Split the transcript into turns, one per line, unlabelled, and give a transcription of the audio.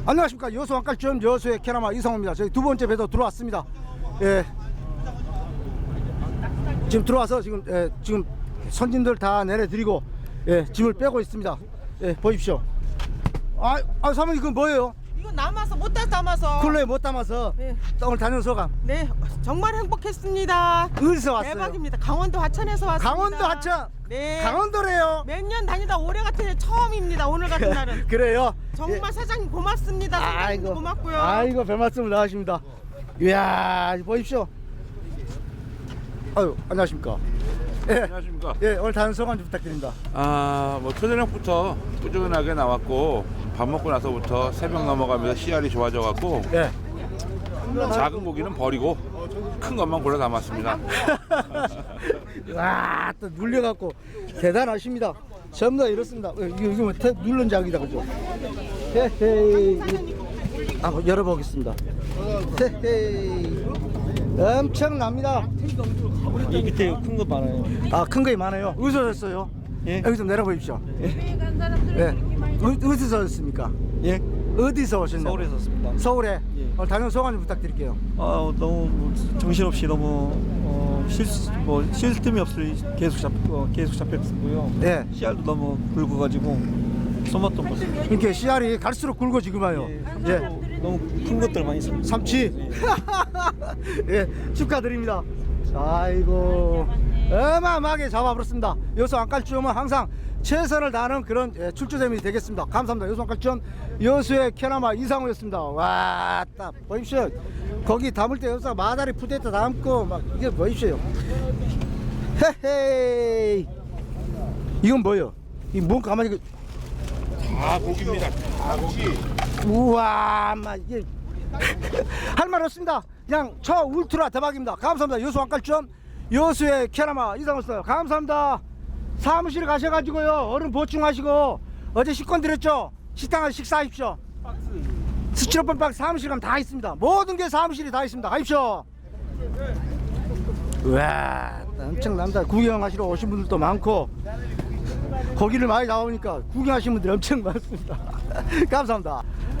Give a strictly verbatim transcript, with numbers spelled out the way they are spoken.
안녕하십니까. 여수 왕갈점 여수의 캐나마 이상호입니다. 저희 두 번째 배도 들어왔습니다. 예. 지금 들어와서 지금 예, 지금 선진들 다 내려드리고 예, 짐을 빼고 있습니다. 예, 보십시오. 아, 아 사모님 그건 뭐예요?
이거 남아서 못 다 담아서.
쿨러에 못 담아서
네.
오늘 다녀온 소감.
네, 정말 행복했습니다.
어디서 왔어요?
대박입니다. 강원도 하천에서 왔습니다.
강원도 하천.
네.
강원도래요.
몇 년 다니다 올해 같은 해 처음입니다. 오늘 같은 날은.
그래요.
정말
예.
사장님 고맙습니다. 사장님도
아이고
고맙고요.
아이고 별 말씀을 나가십니다. 이야 보십시오. 아유 안녕하십니까. 예.
안녕하십니까.
예 오늘 다른 소감 좀 부탁드립니다.
아, 뭐 초저녁부터 꾸준하게 나왔고 밥 먹고 나서부터 새벽 넘어가면서 씨알이 좋아져갖고
예.
작은 고기는 버리고 큰 것만 골라 담았습니다.
와또 눌려갖고 대단하십니다. 전부 다 이렇습니다. 어, 이거 이거 뭐 태, 누른 작이다 그죠? 헤헤이. 한번 열어보겠습니다. 헤헤이. 엄청납니다.
이 밑에 큰 거 많아요.
아 큰 거이 많아요. 어디서 샀어요?
예.
여기 좀 내려보십시오. 예. 어, 어디서 오셨습니까?
예.
어디서 오셨나요?
서울에서 왔습니다.
서울에.
예.
오늘 다녀온 소감 좀 부탁드릴게요.
아 너무 정신없이 너무 어, 실뭐 틈이 없이 계속 잡 어, 계속 잡혔고요.
예.
씨알도 너무 굵어가지고 쏘았던 것 같아요.
이렇게 씨알이 갈수록 굵어지구만요.
예.
예.
너무 큰 것들 많이 있습니다.
삼치. 예, 축하드립니다. 아이고, 어마어마하게 잡아버렸습니다. 여수 왕갈주염은 항상 최선을 다하는 그런 예, 출조점이 되겠습니다. 감사합니다. 여수 왕갈주염 여수의 캐나마 이상호였습니다. 와, 딱 보십시오. 거기 담을 때 여수가 마다리 푸대에다 담고 막 이게 보십시오. 헤헤이. 이건 뭐예요? 이뭔 가만히 그.
다 고기입니다. 다 고기.
우와, 막 이게 할 말 없습니다. 그냥 저 울트라 대박입니다. 감사합니다. 여수 왕갈점 여수의 캐나마 이상호였어요. 감사합니다. 사무실에 가셔가지고요 얼른 보충하시고 어제 식권 드렸죠. 식당 가서 식사하십시오. 스티로폼 박스 사무실 가면 다 있습니다. 모든 게 사무실이 다 있습니다. 가십시오. 우와, 엄청납니다. 구경하시러 오신 분들도 많고 고기를 많이 나오니까 구경하시는 분들이 엄청 많습니다. 감사합니다.